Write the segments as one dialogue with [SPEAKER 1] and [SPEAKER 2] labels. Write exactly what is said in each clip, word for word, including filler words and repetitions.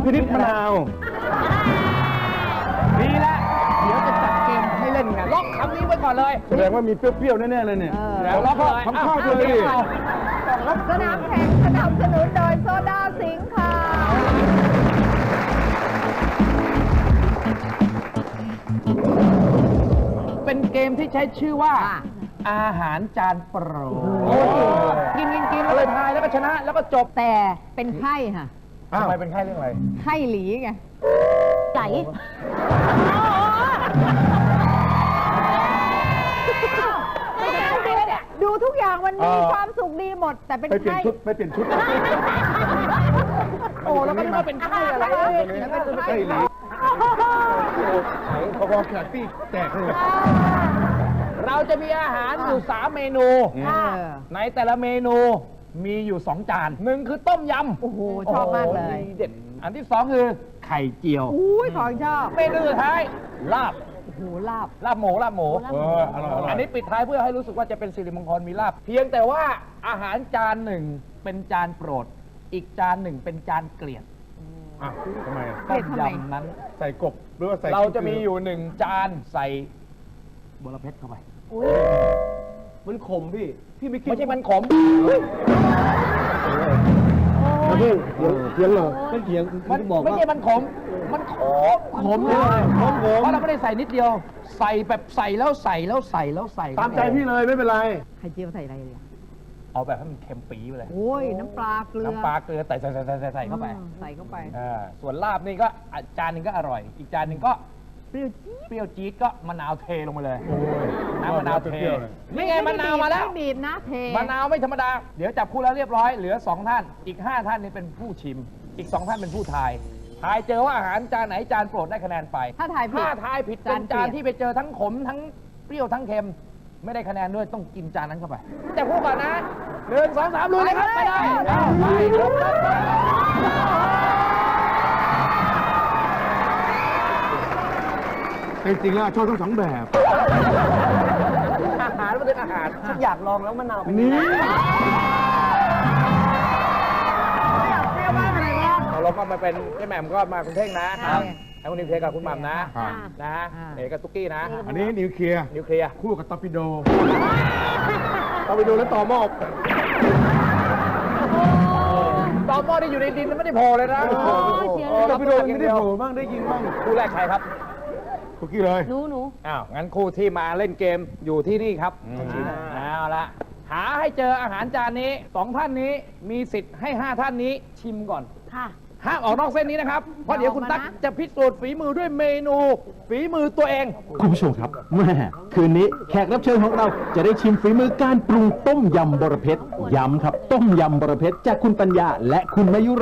[SPEAKER 1] พินิจมะนาว
[SPEAKER 2] ดีแล้วเดี๋ยวจะจัดเกมให้เล่นกันล็อกคำนี้ไว้ก่อนเลย
[SPEAKER 1] แสดงว่ามีเปรี้ยวๆแน่ๆเลยเนี่ย
[SPEAKER 2] แล้วล็อกเลย
[SPEAKER 1] ทำข้าวด้วยดิ
[SPEAKER 3] สนามแข่งสนับสนุนโดยโซดาสิงค์ค่ะ
[SPEAKER 2] เป็นเกมที่ใช้ชื่อว่า อาหารจานโปรดกินกินกินแล้วเลยทายแล้วก็ชนะแล้วก็จบ
[SPEAKER 3] แต่เป็นไข้ค่ะ
[SPEAKER 2] ทำไมเป็นไข้เรื่องอะไร
[SPEAKER 3] ไข้หลีไงไหลดูทุกอย่างมันมีความสุขดีหมด แต่เป็น
[SPEAKER 1] ไปเปลี่ยน
[SPEAKER 3] ไข้
[SPEAKER 1] ชุดไปเปลี่ยนชุด
[SPEAKER 2] โอ้แล้วก็นึกว่าเป็นไข้อะไรเอ้ยแล้วก็เป็นไข้หลี
[SPEAKER 1] พอๆแขกตี้แตกเลย
[SPEAKER 2] เราจะมีอาหารอยู่สามเมนู ในแต่ละเมนูมีอยู่สองจานหนึ่งคือต้มยำ
[SPEAKER 3] โอ้โหชอบมากเลย
[SPEAKER 2] ดีเด็ดอันที่สองคือไข่เจียว
[SPEAKER 3] อุ้ยของชอบ
[SPEAKER 2] เมนูสุดท้ายลาบ
[SPEAKER 3] โอ้โหลาบ
[SPEAKER 2] ลาบหมูลาบหมู
[SPEAKER 1] เอออร่อยอร่อย
[SPEAKER 2] อันนี้ปิดท้ายเพื่อให้รู้สึกว่าจะเป็นสิริมงคลมีลาบ เพียงแต่ว่าอาหารจานหนึ่งเป็นจานโปรด อีกจานหนึ่งเป็นจานเกลียด
[SPEAKER 1] อ่ะทำไมอ่ะ
[SPEAKER 3] เกลียดทำไม
[SPEAKER 2] ต้มยำนั้น
[SPEAKER 1] ใส่กบหรือว่าใส่
[SPEAKER 2] เราจะมีอยู่หนึ่งจานใส่บัวเพชรเข้าไป
[SPEAKER 1] มันขมพี่ พี่ไม่กิน
[SPEAKER 2] ไม่ใช่มันขม
[SPEAKER 1] ไม่ใช่เถียงเหรอไม่เถียง
[SPEAKER 2] มันไม่ใช่มันขม มันขมขมเลย
[SPEAKER 1] ขมขม
[SPEAKER 2] เพราะเราไม่ได้ใส่นิดเดียว ใส่แบบใส่แล้วใส่แล้วใส่แล้วใส่
[SPEAKER 1] ตามใจพี่เลยไม่เป็นไร
[SPEAKER 3] ไข่เจียวใส่อะไรเลยอะ
[SPEAKER 2] เอาแบบให้มันเค็มปี๊ไปเลย
[SPEAKER 3] โอ้ยน้ำปลาเกลือ
[SPEAKER 2] น้ำปลาเกลือใส่ใส่ใส่ใส่ใส่ใส่เข้าไป
[SPEAKER 3] อืมใส่เข้าไป
[SPEAKER 2] อ่าส่วนลาบนี่ก็อ่ะจานหนึ่งก็อร่อย อีกจานหนึ่งก็
[SPEAKER 3] เปรี้ยวจี๊ด
[SPEAKER 2] เปรี้ยวจี๊ดก็มะนาวเทลงไปเลย
[SPEAKER 1] โอ้ย
[SPEAKER 2] น้ำมะนาวเท
[SPEAKER 1] เปรี้ยวเลย
[SPEAKER 2] นี่ไงมะนาวมาแล้ว
[SPEAKER 3] ไม่บีบนะเท
[SPEAKER 2] มะนาวไม่ธรรมดา เดี๋ยวจับคู่แล้วเรียบร้อย เหลือสองท่าน อีกห้าท่านนี่เป็นผู้ชิม อีกสองท่านเป็นผู้ทาย ทายเจอว่าอาหารจานไหนจานโปรดได้คะแนนไป
[SPEAKER 3] ถ้าถ่ายผิด
[SPEAKER 2] ถ้าทายผิดเป็น
[SPEAKER 3] จา
[SPEAKER 2] จาน
[SPEAKER 3] นเกลียด
[SPEAKER 2] ที่ไปเจอทั้งขมทั้งเปรี้ยวทั้งเค็ม ไม่ได้คะแนนด้วยต้องกินจานนั้นเข้าไปจับคู่ก่อนนะหนึ่งสองสามลุยเลยครับไปได้เอาไปลุกครับ
[SPEAKER 1] จริงๆแล้วชอบทั้งสองแบบ
[SPEAKER 2] อาหารมันเป็นอาหารฉันอยากลองแล้วมะนาวเป็น
[SPEAKER 1] นี่
[SPEAKER 2] เราลงก็มาเป็นพี่แหม่มก็มาคุณเท่งนะให้คุณนิวเคลียร์กับคุณหม่ำนะนะเอกกับตุ๊กกี้นะ
[SPEAKER 1] อันนี้นิวเคลียร์
[SPEAKER 2] นิวเคลียร์
[SPEAKER 1] คู่กับตอร์ปิโดตอร์ปิโดแล้วต่อหม้อ
[SPEAKER 2] ตอหม้อที่อยู่ในดินมันไม่ได้โผล่เลยนะ
[SPEAKER 1] ตอร์ปิโดไม่ได้โผล่บ้างได้ยินบ้าง
[SPEAKER 2] คู่แรกใครครับ
[SPEAKER 1] คุกกี้เลย
[SPEAKER 3] หนูหนู
[SPEAKER 2] อ้าวงั้นคู่ที่มาเล่นเกมอยู่ที่นี่ครับเอาละหาให้เจออาหารจานนี้สองท่านนี้มีสิทธิ์ให้ห้าท่านนี้ชิมก่อน
[SPEAKER 3] ค่ะ
[SPEAKER 2] ห้ามออกนอกเส้นนี้นะครับ เพราะเดี๋ยวคุณตั๊กจะพิสูจน์ฝีมือด้วยเมนู ฝีมือตัวเอง
[SPEAKER 4] คุณผู้ชมครับแม่คืนนี้แขกรับเชิญของเราจะได้ชิมฝีมือการปรุงต้มยำบรเพชรย้ำครับ ต้มยำบรเพชรจากคุณปัญญาและคุณมายุรา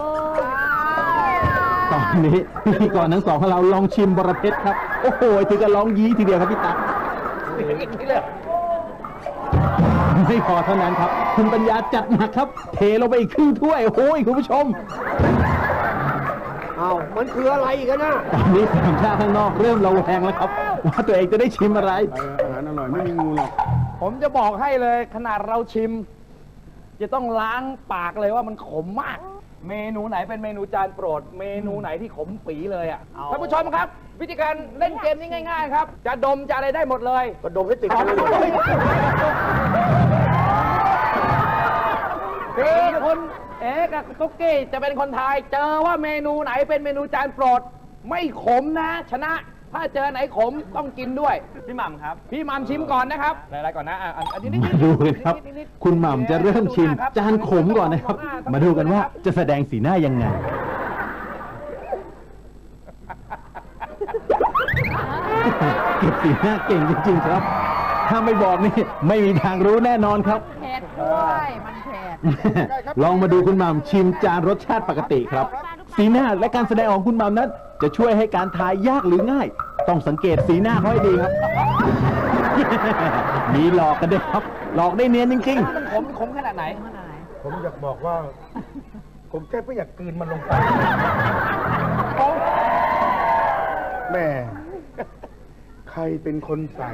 [SPEAKER 4] ตอนนี้พิธีกรทั้งสองของเราลองชิมบรเพชรครับ โอ้โหถึงกับร้องยี้ทีเดียวครับพี่ตั๊กไม่พอเท่านั้นครับ คุณปัญญาจัดหนักครับ เทลงไปอีกครึ่งถ้วยโอ้ยคุณผู้ชม
[SPEAKER 1] อ้าวมันคืออะไรอีกนะ
[SPEAKER 4] ตอนนี้สามชาติข้างนอกเริ่มระแวงแล้วครับ ว่าตัวเองจะได้ชิมอะไร
[SPEAKER 1] อาหารอร่อยไม่มีงูหรอก
[SPEAKER 2] ผมจะบอกให้เลยขนาดเราชิม จะต้องล้างปากเลยว่ามันขมมาก เมนูไหนเป็นเมนูจานโปรด เมนูไหนที่ขมปีเลยอ่ะท่านผู้ชมครับ วิธีการเล่นเกมนี้ง่ายๆครับ จะดมจะอะไรได้หมดเลยก็ดมให้ติดกันเลยคือคุณเอ๊กับตุ๊กกี้จะเป็นคนทายเจอว่าเมนูไหนเป็นเมนูจานโปรด ไม่ขมนะ ชนะ ถ้าเจอไหนขมต้องกินด้วยพี่หม่ำครับพี่หม่ำชิมก่อนนะครับอะไรก่อนนะอ่ะอันนี้
[SPEAKER 4] มาดูกันครับ คุณหม่ำจะเริ่มชิมจานขมก่อนนะครับ มาดูกันว่าจะแสดงสีหน้ายังไง เก็บสีหน้าเก่งจริงๆครับ ถ้าไม่บอกนี่ไม่มีทางรู้แน่นอนครับ
[SPEAKER 3] เผ็ดด้วยมันเผ็ด
[SPEAKER 4] ลองมาดูคุณหม่ำชิมจานรสชาติปกติครับ สีหน้าและการแสดงของคุณหม่ำนั้น จะช่วยให้การทายยากหรือง่าย ต้องสังเกตสีหน้าเขาให้ดีครับ มีหลอกกันด้วยครับ หลอกได้เนียนจริงๆ
[SPEAKER 2] มันขมขมขนาดไหน
[SPEAKER 1] ผมอยากบอกว่า ผมแค่ไม่อยากกลืนมันลงไปแม่ ใครเป็นคนใส่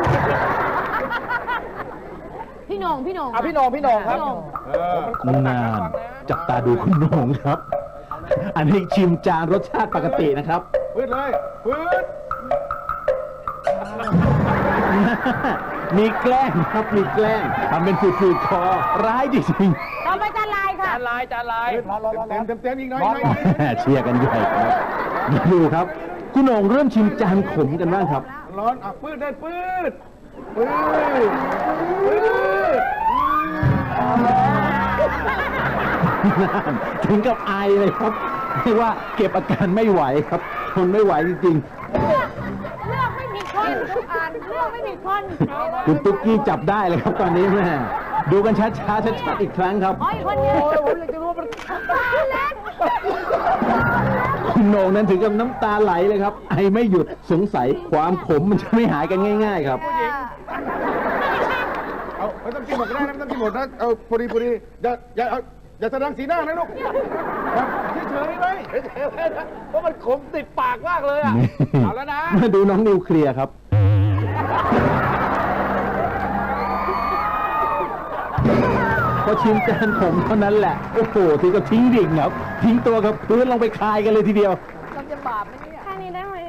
[SPEAKER 3] พี่หนงพี่หนง
[SPEAKER 2] อ่ะพี่โหนงพี่โหนงครับ
[SPEAKER 3] พี่โหน่ง
[SPEAKER 2] เออมันขมหนัก
[SPEAKER 4] นาน
[SPEAKER 2] ฟังนะ
[SPEAKER 4] จับตาดูคุณโหน่งครับอันนี้ชิมจานรสชาติปกตินะครับ
[SPEAKER 1] พืดเลยพืด
[SPEAKER 4] มีแกล้งครับมีแกล้งทำเป็นฝืดๆคอร้ายจริง
[SPEAKER 3] ต่อไปจานลายค่ะ
[SPEAKER 2] จานลายจานลาย
[SPEAKER 1] เต็มเต็มเต็มอีกหน่อยอีกหน่อย
[SPEAKER 4] ๆ เชียร์กันใหญ่ครับดูครับ คุณโหน่งเริ่มชิมจานขมกันบ้างครับ
[SPEAKER 1] ร้อนอ่ะพืดได้พืดพืดพืด
[SPEAKER 4] ถึงกับอายเลยครับเรียกว่าเก็บอาการไม่ไหวครับทนไม่ไหวจริง
[SPEAKER 3] เลือกไม่มีคนทุกอันเลือกไม่มีคน
[SPEAKER 4] ๆ คุณตุ๊กกี้จับได้เลยครับตอนนี้แม่ดูกันช้าๆชัดๆอีกครั้งครับ
[SPEAKER 3] อ๋ออีกคนนึงผมอยากจะรู้ว่ามันตาเล็ก
[SPEAKER 4] คุณโหน่งนั้นถึงกับน้ำตาไหลเลยครับ ไอไม่หยุดสงสัยความขมมันจะไม่หายกันง่าย ๆ ครับ
[SPEAKER 1] เอาไม่ต้องกินหมดก็ได้นะไม่ต้องกินหมดนะเอาพอดีพอดีอย่าอย่าเอาอย่าแสดงสีหน้านะลูกครับเฉยๆไว้
[SPEAKER 2] เพราะมันขมติดปากมากเลยอ่ะ เอาแล้วนะ
[SPEAKER 4] มาดูน้องนิวเคลียร์ครับ พอชิมจานขมเท่านั้นแหละ โอ้โหทีก็ทิ้งดิ่งครับ ทิ้งตัวกับพื้นลงไปคายกันเลยทีเดียว
[SPEAKER 3] มันจะบาปไหมเนี่ยแค่นี้ได้ไหม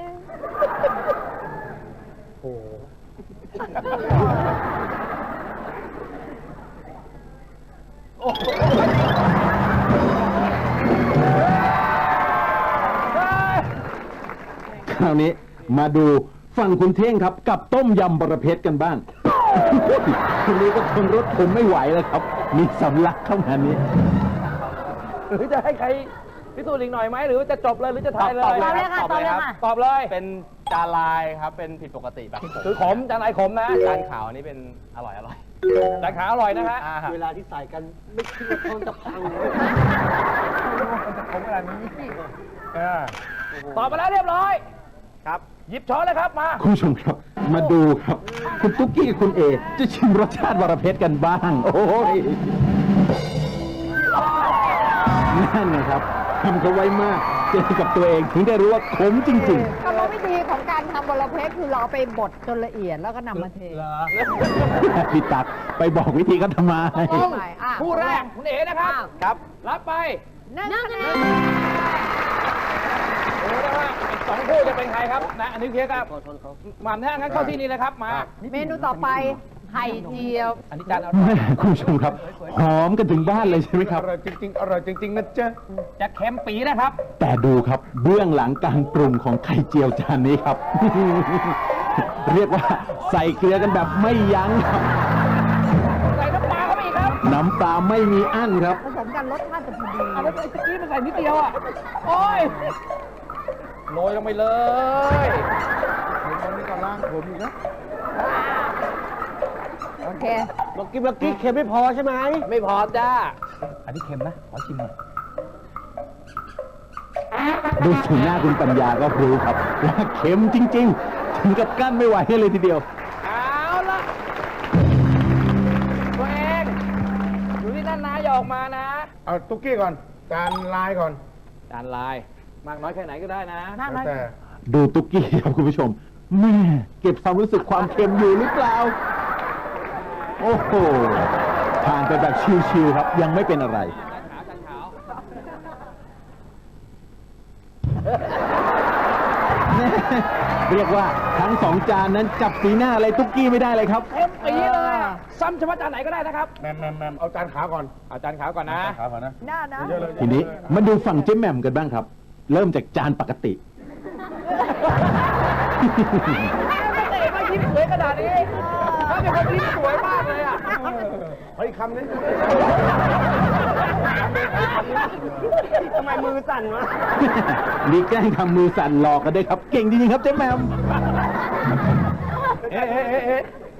[SPEAKER 4] คราวนี้มาดูฝั่งคุณเท่งครับกับต้มยำบรเพชรกันบ้าง คนนี้ก็ทนรสผมไม่ไหวแล้วครับ มีสำลักเข้ามานี้
[SPEAKER 2] หรือจะให้ใครพิสูจน์อีกหน่อยไหมหรือว่าจะจบเลยหรือจะทายเลย
[SPEAKER 3] ตอบเลยค่ะตอบเลยค่ะ
[SPEAKER 2] ตอบเลย
[SPEAKER 5] เป็นจานลายครับ เป็นผิดปกติแบบ
[SPEAKER 2] คือขมจานลายขมนะ
[SPEAKER 5] จานขาวนี่เป็นอร่อยอร่อย
[SPEAKER 2] จานขาวอร่อยนะฮะ
[SPEAKER 5] อ่า
[SPEAKER 6] เวลาที่ใส่กันไม่คิดว่าท้องจะพัง
[SPEAKER 2] ขมขนาดนี้ตอบมาแล้วเรียบร้อย
[SPEAKER 5] ครับ
[SPEAKER 2] หยิบช้อนเลยครับมา
[SPEAKER 4] คุณผู้ชมครับ มาดูครับ คุณตุ๊กกี้กับคุณเอ จะชิมรสชาติบรเพชรกันบ้าง โอ้ยนั่นนะครับทำเขาไว้มากเจอกับตัวเองถึงได้รู้ว่าขมจริง
[SPEAKER 3] กรรมวิธีของการทำบรเพชรคือเราเอาไปบดจนละเอียดแล้วก็นำมาเท
[SPEAKER 4] ๆ พี่ตักไปบอกวิธีเขาทำไม
[SPEAKER 3] เอาใหม่อ่ะ
[SPEAKER 2] คู่แรกคุณเอ๋นะครับ
[SPEAKER 5] ครับ
[SPEAKER 2] รับไป
[SPEAKER 3] หนึ่งคะแนน
[SPEAKER 2] ดูนะฮะอีกสองคู่จะเป็นใครครับนะอันนี้เคลียร์ครับหม่ำแท่งงั้นเข้าที่นี่เลยครับมา
[SPEAKER 3] เมนูต่อไปไข่เจียว
[SPEAKER 2] อันนี้จานเอา
[SPEAKER 4] แม่คุณผู้ชมครับ หอมกันถึงบ้านเลยใช่ไหมครับ
[SPEAKER 1] อร่อยจริงๆ อร่อยจริงๆนะจ๊ะ
[SPEAKER 2] จะเค็มปีนะครับ
[SPEAKER 4] แต่ดูครับเบื้องหลังการปรุงของไข่เจียวจานนี้ครับ เรียกว่าใส่เกลือกันแบบไม่ยั้งครับ
[SPEAKER 2] ใส่น้ำปลาเข้าไปอีกครับ
[SPEAKER 4] น้ำปลาไม่มีอั้นครับ
[SPEAKER 3] ผสมกันรสชาติจะพอดี
[SPEAKER 2] เอาแล้วไอ้ตะกี้มันใส่นิดเดียวอ่ะ โอ้ยโรยลงไปเลย
[SPEAKER 1] ตอนนี้ก็ล้างผมอีกนะ
[SPEAKER 3] โอเค
[SPEAKER 6] เมื่อกี้เมื่อกี้เค็มไม่พอใช่ไหม
[SPEAKER 2] ไม่พอจ้า อันนี้เค็มนะ ขอชิมหน่อย
[SPEAKER 4] ดูสีหน้าคุณปัญญาก็รู้ครับ ว่าเค็มจริง ๆ ถึงกับกั้นไม่ไหวเลยทีเดียว
[SPEAKER 2] เอาละตัวเองอยู่ที่นั่นนะอย่าออกมานะ
[SPEAKER 1] เอาตุ๊กกี้ก่อน จานลายก่อน
[SPEAKER 2] จานลาย มากน้อยแค่ไหนก็ได้นะ
[SPEAKER 3] น่า
[SPEAKER 1] แล้ว
[SPEAKER 3] รัก
[SPEAKER 1] แต่
[SPEAKER 4] ดูตุ๊กกี้ครับคุณผู้ชม แม่เก็บความรู้สึกความเค็มอยู่หรือเปล่า โอ้โหผ่านไปแบบชิวๆครับ ยังไม่เป็นอะไร เรียกว่าทั้งสองจานนั้นจับสีหน้าอะไรตุ๊กกี้ไม่ได้เลยครับ
[SPEAKER 2] เค็มปีเลยอะซ้ำเฉพาะจานไหนก็ได้นะครับ
[SPEAKER 1] แมมแมมแมมเอาจานขาวก่อน
[SPEAKER 2] เอาจานขาวก่อนนะ
[SPEAKER 1] จานขาวก่อนนะ
[SPEAKER 3] น่านะ
[SPEAKER 1] เยอะเลย
[SPEAKER 4] ทีนี้มาดูฝั่งเจ๊แหม่มกันบ้างครับ เริ่มจากจานปกติ
[SPEAKER 2] ไม่เคยมายิ้มสวยขนาดนี้ถ้าเป็นคนยิ้มสวยมากเลยอ่ะ
[SPEAKER 1] เฮ้ยคำนี้
[SPEAKER 6] ทำไมมือสั่นวะ
[SPEAKER 4] มีแกล้งทำมือสั่นหลอกกันด้วยครับ เก่งจริงๆครับเจ๊แหม่ม
[SPEAKER 1] เอ๊ะเอ๊ะเอ๊ะเอ๊ะ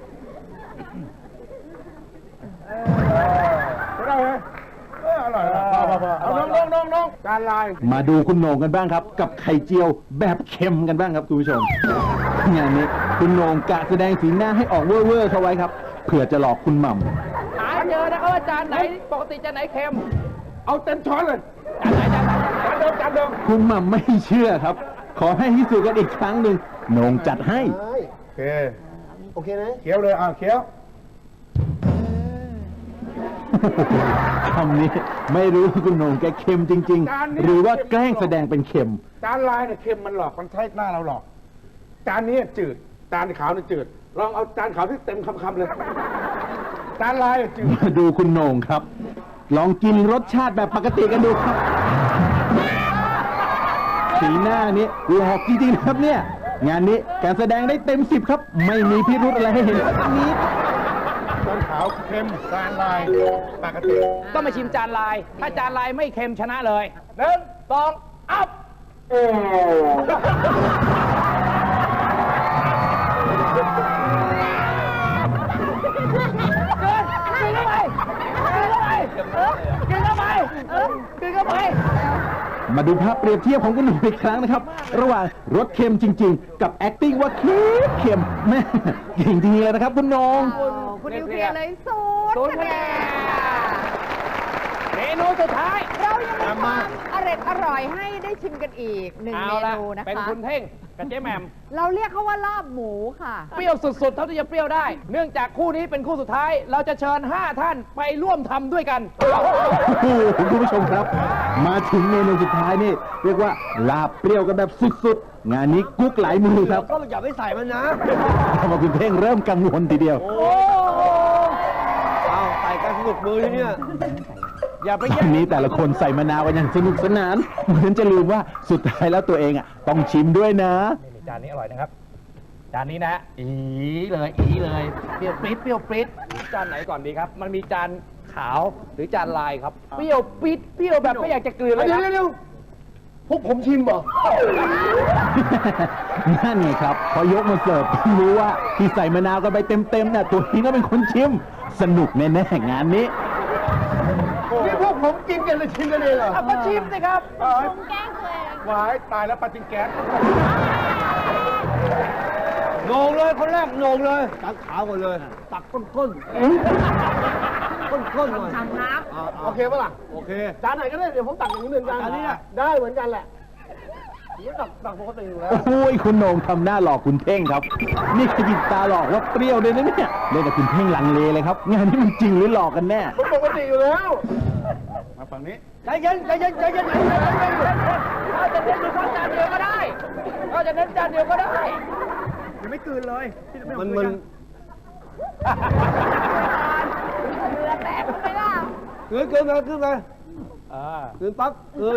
[SPEAKER 1] ได้ไหมเอออร่อยอร่อยพอพอพอเอาน้องน้องน้องน้องจานลาย
[SPEAKER 4] มาดูคุณโหน่งกันบ้างครับ กับไข่เจียวแบบเค็มกันบ้างครับคุณผู้ชม งานนี้คุณโหน่งกะแสดงสีหน้าให้ออกเว่อร์ๆเข้าไว้ครับ เผื่อจะหลอกคุณหม่ำ
[SPEAKER 2] หาเจอนะครับว่าจานไหนปกติจานไหนเค็ม
[SPEAKER 1] เอาเต็มช้อนเลย
[SPEAKER 2] จานไหนจานไหนจานไหน
[SPEAKER 1] จานเดิมจานเดิม
[SPEAKER 4] คุณหม่ำไม่เชื่อครับ ขอให้พิสูจน์กันอีกครั้งหนึ่งโหน่งจัดให้
[SPEAKER 1] โอเค
[SPEAKER 6] โอเคนะ
[SPEAKER 1] เคี้ยวเลยอ่ะเคี้ยว
[SPEAKER 4] คำนี้ไม่รู้ว่าคุณโหน่งแกเค็มจริง ๆ หรือว่าแกล้งแสดงเป็นเค็ม
[SPEAKER 1] จานลายเนี่ยเค็มมันหลอกมันใช้หน้าเราหลอก จานนี้จืด จานขาวเนี่ยจืด ลองเอาจานขาวที่เต็มคำๆเลย จานลายจืด
[SPEAKER 4] มาดูคุณโหน่งครับ ลองกินรสชาติแบบปกติกันดูครับ สีหน้านี้หลอกจริงๆนะครับเนี่ย งานนี้การแสดงได้เต็มสิบครับ ไม่มีพิรุธอะไรให้เห็นสักนิด
[SPEAKER 1] จานขาวเค็ม จานลายปกติ
[SPEAKER 2] ต้องมาชิมจานลาย ถ้าจานลายไม่เค็มชนะเลยหนึ่งสองอัพกินเข้าไปกินเข้าไปกินเข้าไป
[SPEAKER 4] มาดูภาพเปรียบเทียบของคุณโหน่งอีกครั้งนะครับ ระหว่างรสเค็มจริง ๆ กับ acting ว่าเค็มเค็มแม่เก่งจริงๆเลยนะครับคุณโหน่ง
[SPEAKER 3] คุณนิวเคลียร์เลยศูน
[SPEAKER 2] ศูน
[SPEAKER 3] ย์
[SPEAKER 2] ย์
[SPEAKER 3] คะ
[SPEAKER 2] คะ
[SPEAKER 3] แน
[SPEAKER 2] แน
[SPEAKER 3] น
[SPEAKER 2] นเมนูสุดท้าย
[SPEAKER 3] เรายังมีความอร่อยอร่อยให้ได้ชิมกันอีกหนึ่ง
[SPEAKER 2] เอา
[SPEAKER 3] เม
[SPEAKER 2] ละ
[SPEAKER 3] นูนะ
[SPEAKER 2] เป็น
[SPEAKER 3] คะ
[SPEAKER 2] คุณเท่งกับเจ๊แหม่ม
[SPEAKER 3] เราเรียกเขาว่าลาบหมูค่ะ
[SPEAKER 2] เปรี้ยวสุดๆ เท่าที่จะเปรี้ยวได้ เนื่องจากคู่นี้เป็นคู่สุดท้าย เราจะเชิญห้าท่านไปร่วมทำด้วยกัน
[SPEAKER 4] โอ้โหคุณผู้ชมครับ มาถึงเมนูสุดท้ายนี่ เรียกว่าลาบเปรี้ยวกันแบบสุดๆ งานนี้กุ๊กหลายมือครับ
[SPEAKER 6] ก็อย่าไปใส่มันนะ
[SPEAKER 4] ทำเอาคุณเท่งเริ่มกังวลทีเดียว
[SPEAKER 6] เอาใส่กันสนุกมือที่เนี่ย
[SPEAKER 2] อย่าไป
[SPEAKER 4] ต
[SPEAKER 2] แย่
[SPEAKER 4] อง นนี้แต่ละคนใส่มะนาวกันอย่างสนุกสนาน เหมือนจะลืมว่าสุดท้ายแล้วตัวเองอ่ะต้องชิมด้วยนะ
[SPEAKER 2] นี่จานนี้อร่อยนะครับ จานนี้นะ อีเลย อีเลย เปรี้ยวปริ๊ดเปรี้ยวปริ๊ดจานไหนก่อนดีครับ มันมีจานขาวหรือจานลายครับ เปรี้ยวปริ๊ดเปรี้ยวแบบไม่อยากจะกลืนเลย
[SPEAKER 1] เดี๋ยว
[SPEAKER 2] นะ
[SPEAKER 1] เดี๋ยวพวกผมชิมบ่
[SPEAKER 4] นั่นไงครับพอยกมาเสิร์ฟรู้ว่าที่ใส่มะนาวกันไปเต็มๆน่ะตัวเองก็เป็นคนชิม สนุกแน่ๆงานนี้
[SPEAKER 1] นี่พวกผมกินกันเลยชิมกันเองเหรอ
[SPEAKER 2] เอามาชิมสิครับ
[SPEAKER 3] แกล้งตัวเอง
[SPEAKER 1] วายตายแล้วปาจิงแก๊ส
[SPEAKER 6] โหน่งเลยคนแรกโหน่งเลยตักขาวก่อนเลย ตักก้นก้นก้นก้นหน่อย
[SPEAKER 3] ทำน้
[SPEAKER 6] อ่า
[SPEAKER 1] โอเคปะล่ะ
[SPEAKER 6] โอเค
[SPEAKER 1] จานไหนก็ได้ เดี๋ยวผมตักอย่างนี้เหมือนกัน
[SPEAKER 6] จานนี้แหละ
[SPEAKER 1] ได้เหมือนกันแหละผมตักตักปกติอยู่แล้ว
[SPEAKER 4] โอ้ยคุณโหน่งทำหน้าหลอกคุณเท่งครับ นี่ขยิบตาหลอกว่าเปรี้ยวเลยนะเนี่ยเล่นกับคุณเท่งลังเลเลยครับ งานนี้มันจริงหรือหลอกกันแน่
[SPEAKER 1] ผมปกติอยู่แล้ว มาฝั่งนี้
[SPEAKER 6] ใจเย็นใจเย็นใจเย็น
[SPEAKER 2] เราจะเน้นดูจานเดียวก็ได้เราจะเน้นจานเดียวก็ได้
[SPEAKER 1] ยังไม่กลืนเลย
[SPEAKER 6] มันมัน
[SPEAKER 3] ำเรือแตกไปล่ะ
[SPEAKER 6] เกินเกินมาขึ้นมา
[SPEAKER 2] อ่า
[SPEAKER 6] เกินปั๊บเกิน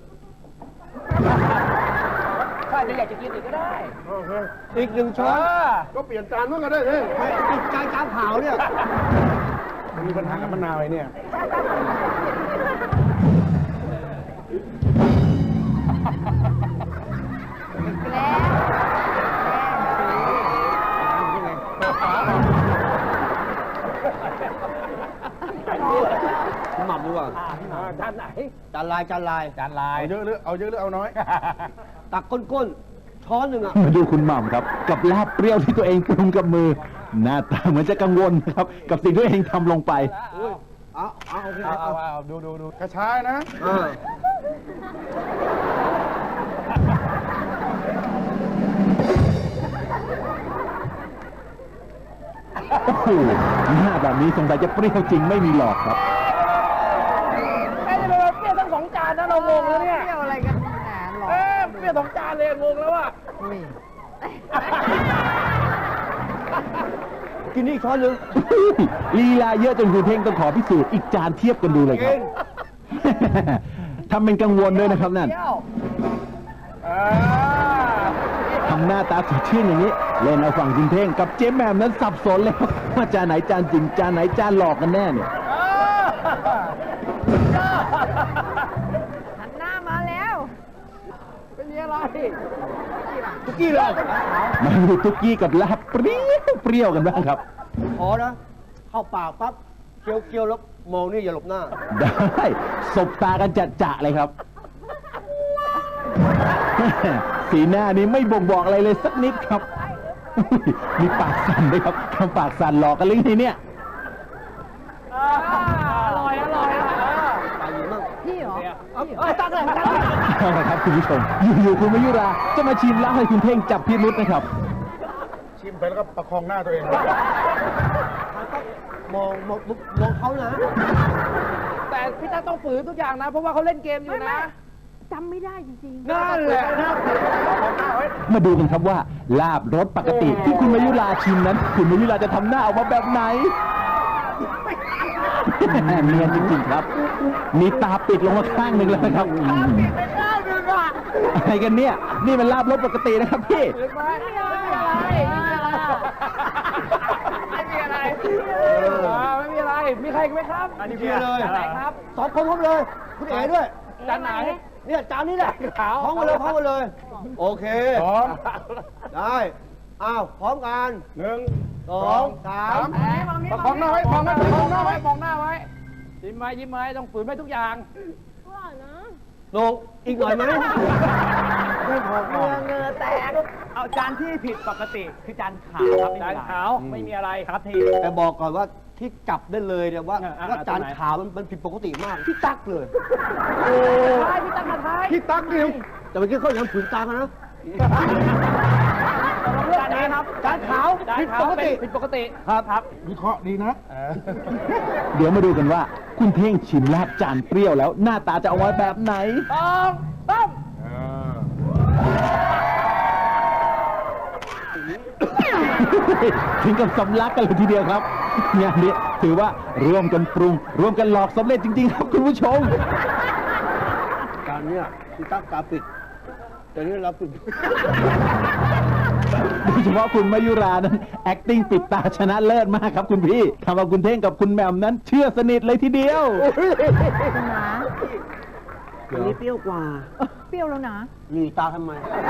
[SPEAKER 2] ถ้าจะอยากจะกินอีกก็ได้
[SPEAKER 1] โอเค
[SPEAKER 6] อีกหนึ่งช้อน
[SPEAKER 1] ก็เปลี่ยนจานนู้นก็ได้เลย
[SPEAKER 6] ไม่อีกจานจานขาวเนี่ย
[SPEAKER 1] มีปัญหากับมะนาวไอ้เนี่ย
[SPEAKER 3] แล้ว
[SPEAKER 6] หม่ำดีกว่า
[SPEAKER 2] อ่าจานไหน
[SPEAKER 6] จานลายจานลาย
[SPEAKER 2] จานลาย
[SPEAKER 1] เอาเยอะหรือเอาเยอะหรือเอาน้อย
[SPEAKER 6] ตักก้นก้นช้อนหนึ่งอ่ะ
[SPEAKER 4] มาดูคุณหม่ำครับ กับลาบเปรี้ยวที่ตัวเองปรุงกับมือ หน้าตาเหมือนจะกังวลนะครับ กับสิ่งที่ตัวเองทำลงไป
[SPEAKER 6] เอาเอาโอเค
[SPEAKER 2] เอา
[SPEAKER 6] เอา
[SPEAKER 2] เอา
[SPEAKER 6] เอา
[SPEAKER 2] เอาดูดูดู
[SPEAKER 1] กระชายนะ
[SPEAKER 6] อ่า
[SPEAKER 4] โอ้โหหน้าแบบนี้สงสัยจะเปรี้ยวจริงไม่มีหลอกครับ
[SPEAKER 2] ไอ้นี่เป็นเปรี้ยวทั้งสองจานนะเรางงแล้วเนี่ย
[SPEAKER 3] เปรี้ยวอะไรกันแหมหรอ
[SPEAKER 2] เอ๊ะเปรี้ยวสองจานเลยงงแล้วอะ
[SPEAKER 6] กินนี่อีกช้อนหนึ่ง
[SPEAKER 4] ลีลาเยอะจนคุณเท่งต้องขอพิสูจน์อีกจานเทียบกันดูเลยครับ ทำเป็นกังวลด้วยนะครับนั่น
[SPEAKER 2] เปรี้ยวอ่า
[SPEAKER 4] ทำหน้าตาสดชื่นอย่างนี้ เล่นเอาฝั่งคุณเท่งกับเจ๊แหม่มนั้นสับสนเลยครับว่าจานไหนจานจริงจานไหนจานหลอกกันแน่เนี่ย
[SPEAKER 3] หันหน้ามาแล้ว
[SPEAKER 2] เป็นยังไง
[SPEAKER 6] ทุกกี้เลย
[SPEAKER 4] มาดูตุ๊กกี้กับลาบเปรี้ยวเปรี้ยวกันบ้างครับ
[SPEAKER 6] ขอนะ เข้าปากปั๊บเคี้ยวเคี้ยวแล้วมองนี่อย่าหลบหน้า
[SPEAKER 4] ได้สบตากันจัดจะเลยครับ สีหน้านี้ไม่บ่งบอกอะไรเลยสักนิดครับ มีปากสั่นด้วยครับทำปากสั่นหลอกกันเลยไงเนี่ย
[SPEAKER 2] อร่อยอร่อยอร่อย
[SPEAKER 6] ปากอยู่มั่ง
[SPEAKER 3] พี่เหรอ
[SPEAKER 2] เอาเอาตักเลยตักเลย
[SPEAKER 4] เอาละครับคุณผู้ชม อยู่ๆคุณมายุราจะมาชิมแล้วให้คุณเท่งจับพิรุษนะครับ
[SPEAKER 1] ชิมไปแล้วก็ประคองหน้าตัวเอง
[SPEAKER 6] มองมองมองเขานะ
[SPEAKER 2] แต่แต่พี่ตั๊กต้องฝืนทุกอย่างนะ เพราะว่าเขาเล่นเกมอยู่นะ
[SPEAKER 3] จำไม่ได้จริงๆ
[SPEAKER 2] นั่นแหละนะ
[SPEAKER 4] มาดูกันครับว่า ลาบรสปกติที่คุณมายุราชิมนั้น คุณมายุราจะทำหน้าออกมาแบบไหน เนียนจริงๆครับ มีตาปิดลงมาข้างหนึ่งแล้วนะครับอะไรกันเนี่ย นี่มันลาบรสปกตินะครับพี่
[SPEAKER 2] ไม่มีอะไรไม่มีอะไรไม่มีอะไร มีใครอีกไหมครับ
[SPEAKER 6] อันนี้พี่เลย
[SPEAKER 2] อะไรครับ
[SPEAKER 6] สองคนพร้อมเลย คุณเอ๋ด้วย
[SPEAKER 2] จานไหน
[SPEAKER 6] เนี่ยจานนี้แหละ
[SPEAKER 2] ขาว
[SPEAKER 6] พร้อมกันเลยพร้อมกันเลย โอเค
[SPEAKER 1] พร้อม
[SPEAKER 6] ได้ อ้าว พร้อมกัน
[SPEAKER 1] หนึ่ง
[SPEAKER 6] สองสาม
[SPEAKER 2] ประคองหน้าไว้มองหน้าไว้มองหน้าไว้มองหน้าไว้ยิ้มไว้ยิ้มไว้ต้องฝืนไว้ทุกอย่าง
[SPEAKER 6] ลงอีกหน่อยไหมไม่พอ
[SPEAKER 3] เงือเงือแตก
[SPEAKER 5] เอาจานที่ผิดปกติคือจานขาวครับ
[SPEAKER 2] จานขาวไม่มีอะไรครับที
[SPEAKER 6] แต่บอกก่อนว่าที่จับได้เลยเนี่ยว่า
[SPEAKER 2] อ่ะอ่ะ
[SPEAKER 6] ว่าจาน
[SPEAKER 2] ตรงไหน
[SPEAKER 6] ขาวมันมันผิดปกติมากที่ตักเลย
[SPEAKER 2] ท้ายพี่ตั้งมาท้าย
[SPEAKER 1] พี่ตั๊กดิว
[SPEAKER 6] แต่เมื่อกี้เขายังผืนตากันนะ
[SPEAKER 2] จานนี้ครับ
[SPEAKER 6] จานขาว
[SPEAKER 2] จาน
[SPEAKER 6] ผิด
[SPEAKER 2] ขาว
[SPEAKER 6] ปกติ
[SPEAKER 2] เป็นผิดปกติ
[SPEAKER 6] ครับ
[SPEAKER 2] ครับ
[SPEAKER 1] วิเคราะห์ดีนะ
[SPEAKER 4] เดี๋ยวมาดูกันว่า คุณเท่งชิมลาบจานเปรี้ยวแล้ว หน้าตาจะออกมาแบบไหน
[SPEAKER 2] สองสาม
[SPEAKER 4] ถึงกับสำลักกันเลยทีเดียวครับ งานนี้ถือว่าร่วมกันปรุง ร่วมกันหลอกสำเร็จจริง ๆ ครับคุณผู้ชม
[SPEAKER 6] จานเนี้ยที่ตักตาปิด แต่นี่เราปิด
[SPEAKER 4] โดยเฉพาะคุณมายุรานั้น acting ปิดตาชนะเลิศมากครับคุณพี่ทำเอาคุณเท่งกับคุณแหม่มนั้น เชื่อสนิทเลยทีเดียว
[SPEAKER 3] นะ
[SPEAKER 6] อันนี้เปรี้ยวกว่า
[SPEAKER 3] เปรี้ยวแล้วนะ
[SPEAKER 6] หนีตาทำไม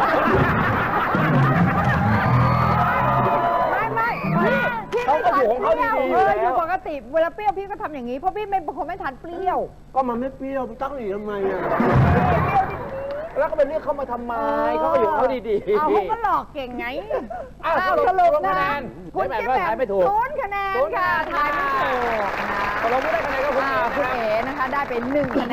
[SPEAKER 3] ไม่ไม่พี่พี่
[SPEAKER 2] เขาก็อยู่ของเขา
[SPEAKER 3] เปรี้ยว
[SPEAKER 2] ดีๆ
[SPEAKER 3] เออ
[SPEAKER 2] อยู่
[SPEAKER 3] อ
[SPEAKER 2] แล้
[SPEAKER 3] ยู่
[SPEAKER 2] ว
[SPEAKER 3] ปกติ เวลาเปรี้ยวพี่ก็ทำอย่างนี้ เพราะพี่ไม่เป็นคนไม่ทานเปรี้ยว
[SPEAKER 6] ก็มันไม่เปรี้ยวพี่ตักหนีทำไมอ่ะ
[SPEAKER 2] แล้วก็เป็นเรื่องเขามาทำไมเขาก็อยู่ของเขาดีๆ
[SPEAKER 3] เอาเขาก็หลอกเก่งไง
[SPEAKER 2] อ้าว
[SPEAKER 3] อ้าว
[SPEAKER 2] ส
[SPEAKER 3] ส
[SPEAKER 2] รุ
[SPEAKER 3] รุ
[SPEAKER 2] ป
[SPEAKER 3] ป
[SPEAKER 2] คะ
[SPEAKER 3] นะ
[SPEAKER 2] แนน
[SPEAKER 3] คุณ
[SPEAKER 2] ไม่
[SPEAKER 3] แม่
[SPEAKER 2] แบ่งก็ทายไม่ถูก
[SPEAKER 3] ศูนย์คะแนน
[SPEAKER 2] ศูนย์คะ
[SPEAKER 3] ค่ะ
[SPEAKER 2] แนน
[SPEAKER 3] ทายไม่ถูกนะ
[SPEAKER 2] ตกลงไม่ได้คะแนนก็คุณ
[SPEAKER 3] อ่า
[SPEAKER 2] เอ๋
[SPEAKER 3] คุณเอ๋นะคะ ได้เป็นหนึ่งคะแนน